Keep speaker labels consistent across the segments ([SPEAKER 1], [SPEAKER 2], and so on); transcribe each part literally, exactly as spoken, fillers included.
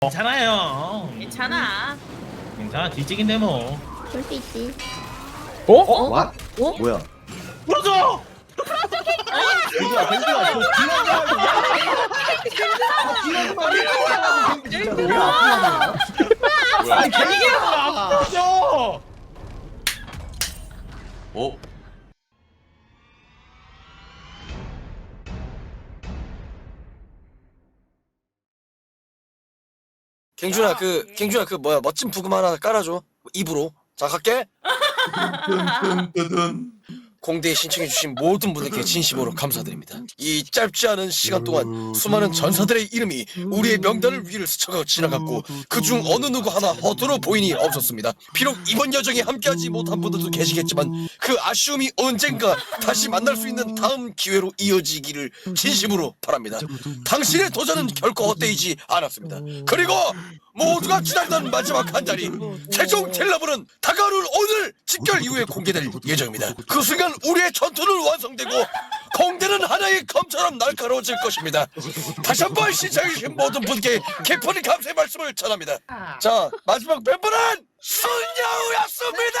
[SPEAKER 1] 괜찮아요.
[SPEAKER 2] 괜찮아.
[SPEAKER 1] 괜찮아. 뒤찍인데 뭐.
[SPEAKER 3] 그럴 수 있지.
[SPEAKER 4] 어?
[SPEAKER 5] 어?
[SPEAKER 4] 와?
[SPEAKER 5] 어?
[SPEAKER 4] 뭐야?
[SPEAKER 1] 풀어줘.
[SPEAKER 4] 갱주야, 갱주야, 저 뒤라는 말이야. 진짜 왜 아프냐?
[SPEAKER 1] 아니 갱이가 풀어줘.
[SPEAKER 6] 어?
[SPEAKER 5] 갱준아 그 갱준아 그 뭐야 멋진 부금 하나 깔아줘 입으로. 자 갈게.
[SPEAKER 6] 뜬뜬뜬뜬.
[SPEAKER 5] 공대에 신청해주신 모든 분들께 진심으로 감사드립니다. 이 짧지 않은 시간 동안 수많은 전사들의 이름이 우리의 명단을 위를 스쳐가고 지나갔고 그중 어느 누구 하나 허투루 보인이 없었습니다. 비록 이번 여정에 함께하지 못한 분들도 계시겠지만 그 아쉬움이 언젠가 다시 만날 수 있는 다음 기회로 이어지기를 진심으로 바랍니다. 당신의 도전은 결코 헛되이지 않았습니다. 그리고 모두가 기다리던 마지막 한 자리 최종 텔러블은 다가오는 오늘 집결 이후에 공개될 예정입니다. 그 순간 우리의 전투는 완성되고 공대는 하나의 검처럼 날카로워질 것입니다. 다시 한번 시청해주신 모든 분께 깊은 감사의 말씀을 전합니다. 자 마지막 멤버는 순여우였습니다.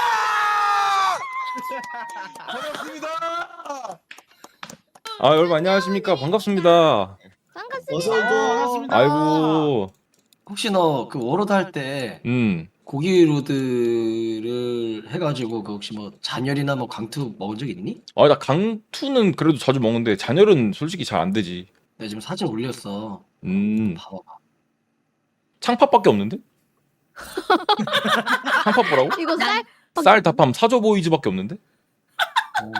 [SPEAKER 6] 반갑습니다.
[SPEAKER 7] 아 여러분 안녕하십니까 반갑습니다.
[SPEAKER 3] 반갑습니다.
[SPEAKER 4] 어서도.
[SPEAKER 7] 아이고
[SPEAKER 4] 혹시 너 그 워로드 할 때
[SPEAKER 7] 음
[SPEAKER 4] 고기 로드를 해가지고 그 혹시 뭐 잔열이나 뭐 강투 먹은 적 있니?
[SPEAKER 7] 아 나 강투는 그래도 자주 먹는데 잔열은 솔직히 잘 안 되지.
[SPEAKER 4] 내가 지금 사진 올렸어.
[SPEAKER 7] 음
[SPEAKER 4] 봐봐봐.
[SPEAKER 7] 창팝밖에 없는데? 창팝 뭐라고?
[SPEAKER 3] 이거 쌀
[SPEAKER 7] 쌀 답함 사조 보이즈밖에 없는데?
[SPEAKER 4] 어.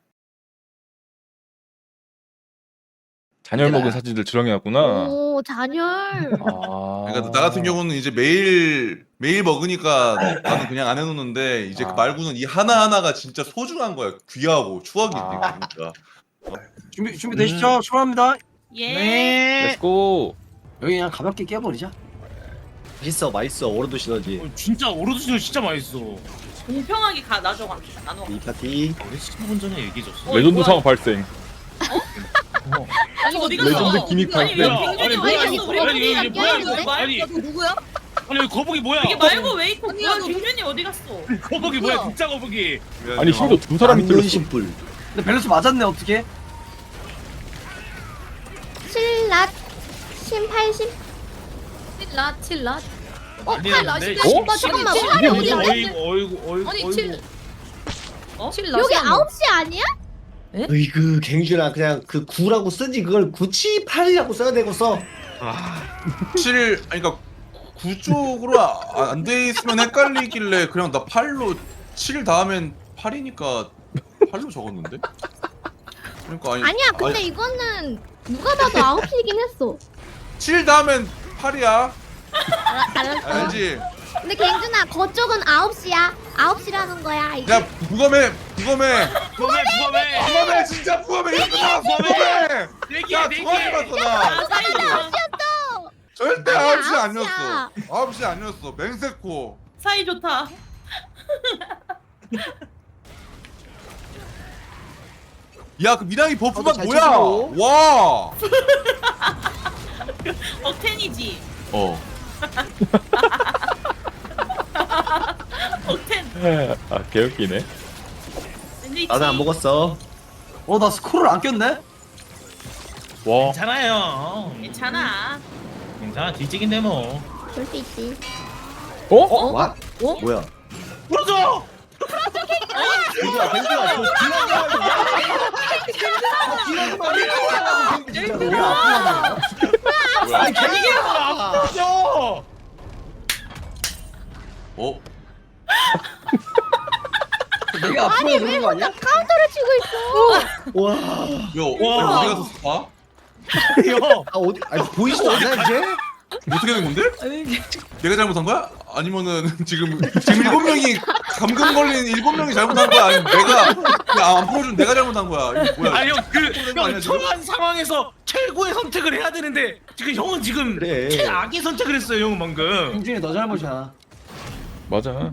[SPEAKER 7] 잔열
[SPEAKER 4] 얘들아.
[SPEAKER 7] 먹은 사진들 주렁해놨구나.
[SPEAKER 3] 오 잔열.
[SPEAKER 7] 아
[SPEAKER 6] 그러니까 나 같은 경우는 이제 매일 매일 먹으니까 나는 그냥 안 해놓는데 이제
[SPEAKER 7] 아.
[SPEAKER 6] 그 말고는 이 하나 하나가 진짜 소중한 거야. 귀하고 추억이지
[SPEAKER 7] 아.
[SPEAKER 6] 진짜.
[SPEAKER 4] 준비 준비 되시죠? 출발합니다.
[SPEAKER 2] 예.
[SPEAKER 7] 렛츠고.
[SPEAKER 4] 여기 그냥 가볍게 깨버리자. 맛있어, 맛있어. 워로드 시너지.
[SPEAKER 1] 어, 진짜 오로드시는 진짜 맛있어.
[SPEAKER 2] 공평하게 가 나눠 갑시다. 나눠.
[SPEAKER 4] 이 파티.
[SPEAKER 1] 우리 십오 분 전에 얘기해줬어.
[SPEAKER 2] 어,
[SPEAKER 7] 레전드
[SPEAKER 2] 뭐야,
[SPEAKER 7] 상황
[SPEAKER 2] 이거.
[SPEAKER 7] 발생.
[SPEAKER 2] 아니 어디 갔어?
[SPEAKER 7] 레전드 기믹
[SPEAKER 2] 아니 왜
[SPEAKER 7] 발생.
[SPEAKER 2] 갱준이
[SPEAKER 1] 아니,
[SPEAKER 2] 어디
[SPEAKER 1] 아니,
[SPEAKER 2] 갔어? 우리
[SPEAKER 1] 아니,
[SPEAKER 2] 갱준이가
[SPEAKER 1] 이게 뭐야,
[SPEAKER 2] 껴있는데?
[SPEAKER 1] 이거. 아니.
[SPEAKER 2] 너 누구야?
[SPEAKER 1] 아니 여기 거북이 뭐야?
[SPEAKER 2] 이게 말고 웨이코
[SPEAKER 3] 아니야,
[SPEAKER 2] 뭐야?
[SPEAKER 3] 너
[SPEAKER 2] 갱준이 어디 갔어?
[SPEAKER 1] 거북이 뭐야? 진짜 거북이.
[SPEAKER 7] 아니 심지어 두 사람이 들었어.
[SPEAKER 4] 신뿔. 근데 밸런스 맞았네 어떻게?
[SPEAKER 3] 칠랏 신팔십.
[SPEAKER 8] 칠랏 칠랏 어?
[SPEAKER 1] 아니,
[SPEAKER 8] 팔
[SPEAKER 1] 근데
[SPEAKER 8] 라시가
[SPEAKER 7] 어?
[SPEAKER 8] 오빠
[SPEAKER 3] 잠깐만,
[SPEAKER 8] 칠-
[SPEAKER 3] 팔이
[SPEAKER 8] 칠-
[SPEAKER 3] 어디 갔어?
[SPEAKER 1] 어이구 어이구 어이구
[SPEAKER 8] 아니
[SPEAKER 1] 어이구.
[SPEAKER 8] 칠
[SPEAKER 2] 어?
[SPEAKER 8] 칠
[SPEAKER 3] 여기
[SPEAKER 8] 라시가
[SPEAKER 3] 아홉 시 아니야?
[SPEAKER 9] 으이그 갱준아 그냥 그 구라고 쓰지 그걸 구치 팔이라고 써야 되고 써.
[SPEAKER 6] 칠 아니 그러니까 구 쪽으로 안 돼 있으면 헷갈리길래 그냥 나 팔로 칠 다음엔 팔이니까 팔로 적었는데. 그러니까 아니
[SPEAKER 3] 아니야. 근데 이거는 누가 봐도 아홉 시이긴 했어.
[SPEAKER 6] 칠 다음엔 팔이야.
[SPEAKER 3] 알아- 알았어.
[SPEAKER 6] 알지?
[SPEAKER 3] 근데 갱준아 거쪽은 아홉 시야. 아홉 시라는 거야. 이게.
[SPEAKER 6] 야 부검해 부검해
[SPEAKER 1] 부검해 부검해.
[SPEAKER 6] 부검해 진짜 부검해 이거 끝나 부검해.
[SPEAKER 1] 내기야
[SPEAKER 6] 야 두번
[SPEAKER 1] 내기.
[SPEAKER 6] 해봤어 나.
[SPEAKER 2] 아 사이좋다.
[SPEAKER 6] 절대
[SPEAKER 3] 아니야,
[SPEAKER 6] 아홉 시
[SPEAKER 3] 아홉
[SPEAKER 6] 아니었어.
[SPEAKER 3] 시야.
[SPEAKER 6] 아홉 시 아니었어. 맹세코.
[SPEAKER 2] 사이 좋다.
[SPEAKER 6] 야 그 미랑이 버프가
[SPEAKER 9] 잘
[SPEAKER 6] 뭐야?
[SPEAKER 9] 쳐줘.
[SPEAKER 6] 와.
[SPEAKER 2] 억텐이지.
[SPEAKER 6] 어.
[SPEAKER 2] 억텐.
[SPEAKER 7] 아 개웃기네.
[SPEAKER 2] 샌드위치.
[SPEAKER 9] 나는 안 먹었어.
[SPEAKER 4] 어 나 스코를 안 꼈네?
[SPEAKER 7] 와
[SPEAKER 1] 괜찮아요.
[SPEAKER 2] 괜찮아.
[SPEAKER 1] 괜찮아. 뒤찍인데 뭐.
[SPEAKER 3] 그럴 수 있지.
[SPEAKER 7] 어?
[SPEAKER 9] 와?
[SPEAKER 8] 어?
[SPEAKER 9] 뭐야?
[SPEAKER 1] 풀어줘.
[SPEAKER 9] 갱준아, 갱준아, 저 뒤라는 말이야. 진짜 왜 아프냐?
[SPEAKER 6] 뭐야?
[SPEAKER 9] 아니 갱이야.
[SPEAKER 1] 풀어줘.
[SPEAKER 6] 어?
[SPEAKER 4] 내가 앞으로 그런 거 아니야?
[SPEAKER 3] 카운터를 치고 있어.
[SPEAKER 9] 와.
[SPEAKER 6] 야
[SPEAKER 1] 와.
[SPEAKER 6] 어디 가서 봐?
[SPEAKER 1] 형.
[SPEAKER 9] 아 어디? 아니 보이지도 않아 이제?
[SPEAKER 6] 어떻게 된 건데? 내가 잘못한 거야? 아니면은 지금 지금 일곱 명이 감금 걸린 일곱 명이 잘못한 거야? 아니면 내가 그냥 안 풀어준 내가 잘못한 거야? 이거 뭐야?
[SPEAKER 1] 아니
[SPEAKER 6] 거 아니야,
[SPEAKER 1] 형그
[SPEAKER 6] 지금?
[SPEAKER 1] 초반 상황에서 최고의 선택을 해야 되는데 지금 형은 지금
[SPEAKER 9] 그래.
[SPEAKER 1] 최악의 선택을 했어요 형은 방금.
[SPEAKER 4] 갱준이 너 잘못이야.
[SPEAKER 7] 맞아.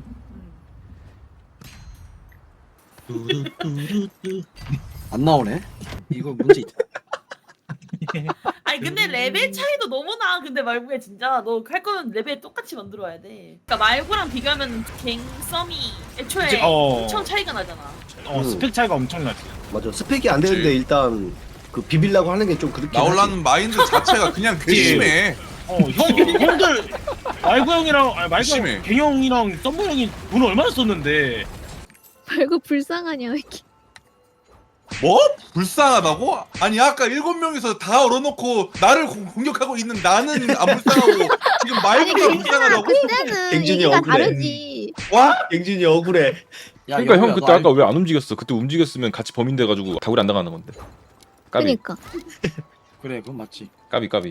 [SPEAKER 4] 안 나오네. 이거 문제 있다.
[SPEAKER 2] 아니 근데 레벨 차이도 너무 나. 근데 말구야 진짜 너 할 거면 레벨 똑같이 만들어야 돼. 그러니까 말구랑 비교하면 갱썸이 애초에
[SPEAKER 1] 그치, 어.
[SPEAKER 2] 엄청 차이가 나잖아.
[SPEAKER 1] 어
[SPEAKER 9] 음.
[SPEAKER 1] 스펙 차이가 엄청나지.
[SPEAKER 9] 맞아. 스펙이 안 되는데
[SPEAKER 6] 그치.
[SPEAKER 9] 일단 그 비빌라고 하는 게 좀 그렇게
[SPEAKER 6] 나올라는 마인드 자체가 그냥 괘씸해.
[SPEAKER 1] 어 형, 형들 말구 형이랑 아니 말구
[SPEAKER 6] 심해.
[SPEAKER 1] 형, 갱 형이랑 썸머 형이 돈을 얼마나 썼는데.
[SPEAKER 3] 말고 불쌍하냐 왜 이렇게.
[SPEAKER 6] 뭐? 불쌍하다고? 아니 아까 일곱 명이서 다 얼어놓고 나를 공- 공격하고 있는 나는 안 불쌍하고 지금 말구가 불쌍하다고?
[SPEAKER 3] 그때는
[SPEAKER 9] 갱준이
[SPEAKER 3] 얘기가
[SPEAKER 9] 억울해.
[SPEAKER 3] 다르지.
[SPEAKER 6] 와?
[SPEAKER 9] 갱준이 억울해.
[SPEAKER 4] 야,
[SPEAKER 7] 그러니까
[SPEAKER 4] 여우야,
[SPEAKER 7] 형 그때
[SPEAKER 4] 너
[SPEAKER 7] 아까 왜 안 움직였어? 그때 움직였으면 같이 범인 돼가지고 다구리 안 당하는 건데. 까비
[SPEAKER 3] 그니까.
[SPEAKER 4] 그래 그건 맞지.
[SPEAKER 7] 까비 까비.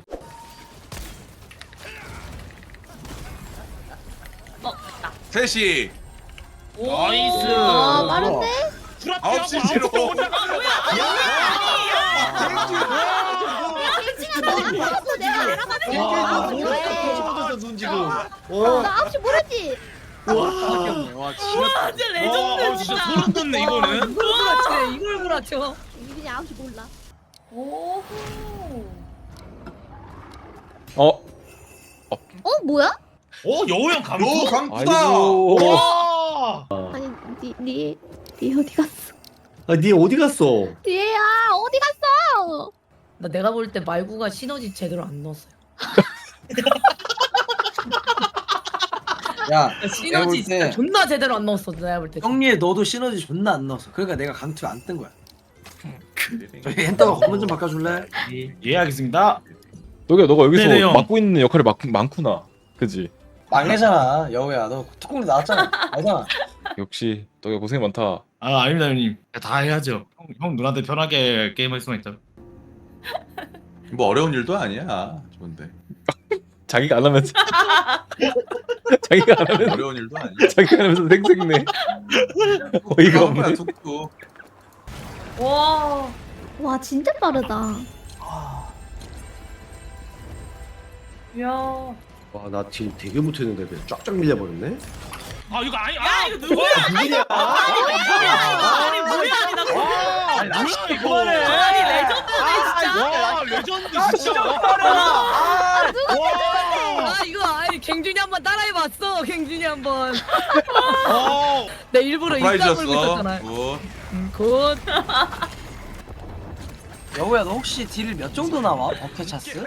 [SPEAKER 2] 어, 나.
[SPEAKER 6] 셋이
[SPEAKER 2] 오.
[SPEAKER 1] 나이스.
[SPEAKER 3] 아 빠른데?
[SPEAKER 6] 아홉 시 제로.
[SPEAKER 3] 알았어 내가 알아가는
[SPEAKER 9] 와,
[SPEAKER 3] 거야.
[SPEAKER 9] 몰랐어. 눈 지금.
[SPEAKER 3] 나
[SPEAKER 9] 어.
[SPEAKER 3] 아홉 시 모르지.
[SPEAKER 9] 와.
[SPEAKER 2] 와 진짜 레전드
[SPEAKER 1] 와 진짜
[SPEAKER 2] 진짜.
[SPEAKER 1] 소름 돋네 이거는.
[SPEAKER 8] 이걸 구라쳐. 이걸 구라쳐.
[SPEAKER 3] 그냥 아홉 시 몰라.
[SPEAKER 2] 오.
[SPEAKER 7] 어.
[SPEAKER 3] 어 뭐야?
[SPEAKER 1] 오 여우 형 감독.
[SPEAKER 6] 너 강투다.
[SPEAKER 7] 아이고.
[SPEAKER 1] 와.
[SPEAKER 3] 아니 니니 니 어디 갔어?
[SPEAKER 9] 아, 니 어디 갔어?
[SPEAKER 3] 얘야 어디 갔어?
[SPEAKER 8] 나 내가 볼 때 말구가 시너지 제대로 안 넣었어요.
[SPEAKER 4] 야
[SPEAKER 8] 시너지
[SPEAKER 4] 내가 볼
[SPEAKER 8] 진짜
[SPEAKER 4] 때
[SPEAKER 8] 존나 제대로 안 넣었어. 내가 볼 때.
[SPEAKER 4] 형님 너도 시너지 존나 안 넣었어. 그러니까 내가 강투 안 뜬 거야. 저희 엔터가 건문 좀 바꿔줄래?
[SPEAKER 1] 예 알겠습니다.
[SPEAKER 7] 너가 너가 여기서
[SPEAKER 1] 네네, 형.
[SPEAKER 7] 맡고 있는 역할이 많, 많구나. 그지?
[SPEAKER 4] 막내잖아 여우야. 너 특공대 나왔잖아. 알잖아.
[SPEAKER 7] 역시 너가 고생 많다.
[SPEAKER 1] 아 아닙니다 형님. 다 해야죠. 형, 형 누나한테 편하게 게임할 수만 있죠.
[SPEAKER 6] 뭐 어려운 일도 아니야. 좋은데.
[SPEAKER 7] 자기가 안 하면서 자기가 안 하면서
[SPEAKER 6] 어려운 일도 아니야.
[SPEAKER 7] 자기가 안 하면서 생색내. 어이가
[SPEAKER 6] 하는 거야,
[SPEAKER 7] 없네.
[SPEAKER 6] 툭툭.
[SPEAKER 2] 와.
[SPEAKER 3] 와 진짜 빠르다.
[SPEAKER 2] 야.
[SPEAKER 9] 와, 나 지금 되게 못했는데 그냥 쫙쫙 밀려버렸네.
[SPEAKER 1] 아 이거 아니
[SPEAKER 2] 야
[SPEAKER 1] 아
[SPEAKER 2] 이거 누구야?
[SPEAKER 9] 누구냐?
[SPEAKER 2] 아니 뭐야? 아니 나
[SPEAKER 1] 와, 아니 뭐야 이거.
[SPEAKER 2] 아니 레전드네 진짜.
[SPEAKER 1] 와 레전드 진짜.
[SPEAKER 8] 아,
[SPEAKER 1] 와.
[SPEAKER 8] 아 이거 아니 갱준이 한번 따라해봤어. 갱준이 한번.
[SPEAKER 1] 어.
[SPEAKER 8] 내 일부러 입 다물고
[SPEAKER 6] 프라이즈였어.
[SPEAKER 8] 있었잖아.
[SPEAKER 6] 굿.
[SPEAKER 8] 음, 굿.
[SPEAKER 4] 여우야 너 혹시 딜 몇 정도 나와? 버켓 차스?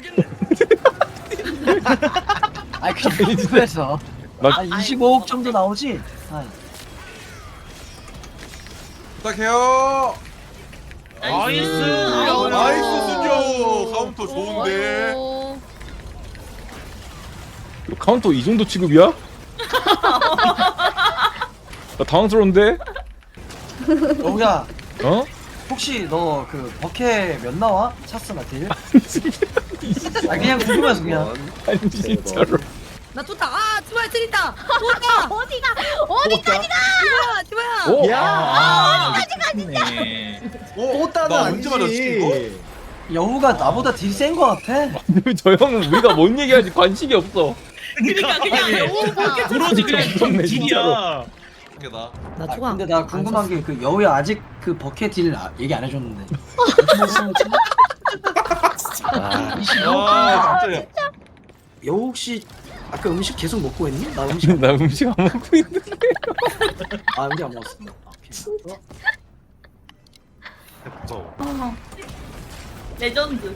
[SPEAKER 4] 아니 그냥 유튜브에서
[SPEAKER 7] 나-
[SPEAKER 4] 한 이십오억 정도 나오지? 한.
[SPEAKER 6] 부탁해요.
[SPEAKER 1] 나이스.
[SPEAKER 2] 아이고.
[SPEAKER 6] 나이스 순조. 카운터 좋은데.
[SPEAKER 8] 어,
[SPEAKER 7] 이거 카운터 이 정도 취급이야? 나 당황스러운데?
[SPEAKER 4] 여우야
[SPEAKER 7] 어?
[SPEAKER 4] 혹시 너 그 버켓 몇 나와? 차스나 딜? 아 그냥 궁금해서 그냥.
[SPEAKER 7] 아니 진짜로.
[SPEAKER 8] 나 쫓다. 아 티바야 트린다. 쫓다.
[SPEAKER 3] 어디가 어디까지 가?
[SPEAKER 8] 티바야 티바야.
[SPEAKER 7] 오.
[SPEAKER 9] 야.
[SPEAKER 1] 아 어디까지네.
[SPEAKER 9] 또 따는
[SPEAKER 6] 나 언제 맞았지 이거?
[SPEAKER 9] 아니지.
[SPEAKER 4] 여우가 나보다 딜 센 거 같아.
[SPEAKER 7] 저 형은 우리가 뭔 얘기할지 관심이 없어.
[SPEAKER 2] 그러니까 그냥 오 그렇게
[SPEAKER 1] 오로지 그냥
[SPEAKER 7] 미쳤네,
[SPEAKER 1] 딜이야.
[SPEAKER 6] 이게다.
[SPEAKER 8] 나
[SPEAKER 4] 아,
[SPEAKER 8] 초가.
[SPEAKER 4] 근데 나 궁금한 게 그 여우야 아직 그 버켓 딜 아, 얘기 안 해줬는데.
[SPEAKER 9] 아,
[SPEAKER 6] 아 진짜.
[SPEAKER 4] 여우 혹시 아까 음식 계속 먹고 했니? 나 음식 안-
[SPEAKER 7] 나 음식 안 먹고 있는데.
[SPEAKER 4] 아 음식 안 먹었어. 오케이.
[SPEAKER 2] 어. 레전드.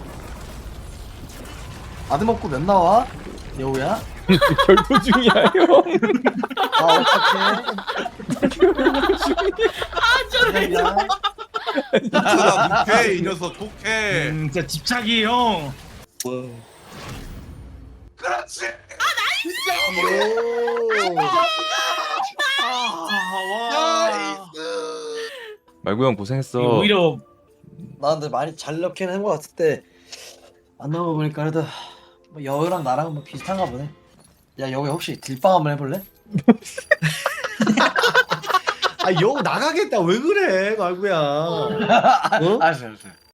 [SPEAKER 4] 아드 먹고 몇 나와? 여우야?
[SPEAKER 7] 결투 중이야 형.
[SPEAKER 4] 아 어떡해.
[SPEAKER 2] 아저 레전드.
[SPEAKER 4] 미안.
[SPEAKER 6] 나 독해 이 녀석 독해.
[SPEAKER 1] 음, 진짜 집착이 형.
[SPEAKER 6] 그렇지.
[SPEAKER 7] 말구 형 고생했어.
[SPEAKER 1] 오히려
[SPEAKER 4] 나 근데 많이 잘 넣긴 한 거 같을 때 안 나와 보니까 그래도 뭐 여우랑 나랑 뭐 비슷한가 보네. 야 여우 혹시 딜빵 한번 해볼래?
[SPEAKER 9] 아, 여우 나가겠다. 왜 그래, 말구야. 어?
[SPEAKER 4] 알았어 알았어.